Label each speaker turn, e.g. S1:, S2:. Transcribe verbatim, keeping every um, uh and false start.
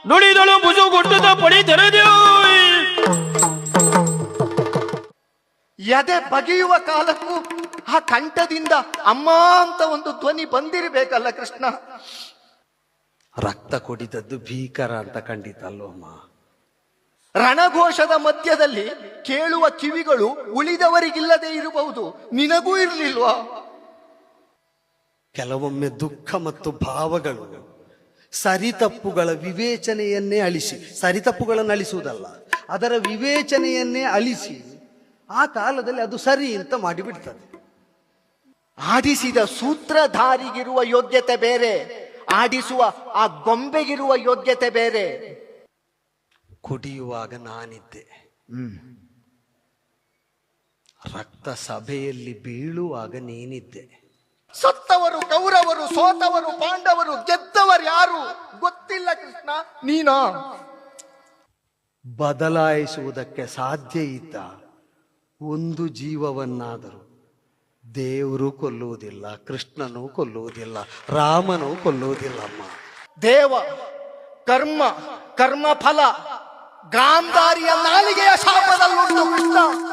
S1: ನುಡಿದಳು ಬುಜುಗುಟ್ಟದ ಪಡಿ ತೆರೆದೆವು.
S2: ಎದೆ ಬಗೆಯುವ ಕಾಲಕ್ಕೂ ಆ ಕಂಠದಿಂದ ಅಮ್ಮ ಅಂತ ಒಂದು ಧ್ವನಿ ಬಂದಿರಬೇಕಲ್ಲ ಕೃಷ್ಣ.
S3: ರಕ್ತ ಕುಡಿದದ್ದು ಭೀಕರ ಅಂತ ಖಂಡಿತ ಅಲ್ವಮ್ಮ.
S2: ರಣಘೋಷದ ಮಧ್ಯದಲ್ಲಿ ಕೇಳುವ ಕಿವಿಗಳು ಉಳಿದವರಿಗಿಲ್ಲದೆ ಇರಬಹುದು, ನಿನಗೂ ಇರಲಿಲ್ವಾ?
S3: ಕೆಲವೊಮ್ಮೆ ದುಃಖ ಮತ್ತು ಭಾವಗಳು ಸರಿತಪ್ಪುಗಳ ವಿವೇಚನೆಯನ್ನೇ ಅಳಿಸಿ, ಸರಿತಪ್ಪುಗಳನ್ನು ಅಳಿಸುವುದಲ್ಲ, ಅದರ ವಿವೇಚನೆಯನ್ನೇ ಅಳಿಸಿ ಆ ಕಾಲದಲ್ಲಿ ಅದು ಸರಿ ಅಂತ ಮಾಡಿಬಿಡ್ತದೆ.
S2: ಆಡಿಸಿದ ಸೂತ್ರಧಾರಿಗಿರುವ ಯೋಗ್ಯತೆ ಬೇರೆ, ಆಡಿಸುವ ಆ ಗೊಂಬೆಗಿರುವ ಯೋಗ್ಯತೆ ಬೇರೆ.
S3: ಕುಡಿಯುವಾಗ ನಾನಿದ್ದೆ, ರಕ್ತ ಸಭೆಯಲ್ಲಿ ಬೀಳುವಾಗ ನೀನಿದ್ದೆ.
S2: ಸತ್ತವರು ಕೌರವರು, ಸೋತವರು ಪಾಂಡವರು, ಗೆದ್ದವರು ಯಾರು ಗೊತ್ತಿಲ್ಲ ಕೃಷ್ಣ, ನೀನಾ?
S3: ಬದಲಾಯಿಸುವುದಕ್ಕೆ ಸಾಧ್ಯ ಇದ್ದ ಒಂದು ಜೀವವನ್ನಾದರೂ ದೇವರು ಕೊಲ್ಲುವುದಿಲ್ಲ, ಕೃಷ್ಣನು ಕೊಲ್ಲುವುದಿಲ್ಲ, ರಾಮನು ಕೊಲ್ಲುವುದಿಲ್ಲಮ್ಮ.
S2: ದೇವ ಕರ್ಮ ಕರ್ಮ ಫಲ ಗಾಂಧಾರಿಯ ನಾಲಿಗೆಯ ಶಾಪದಲ್ಲುಂಟು ಕೃಷ್ಣ.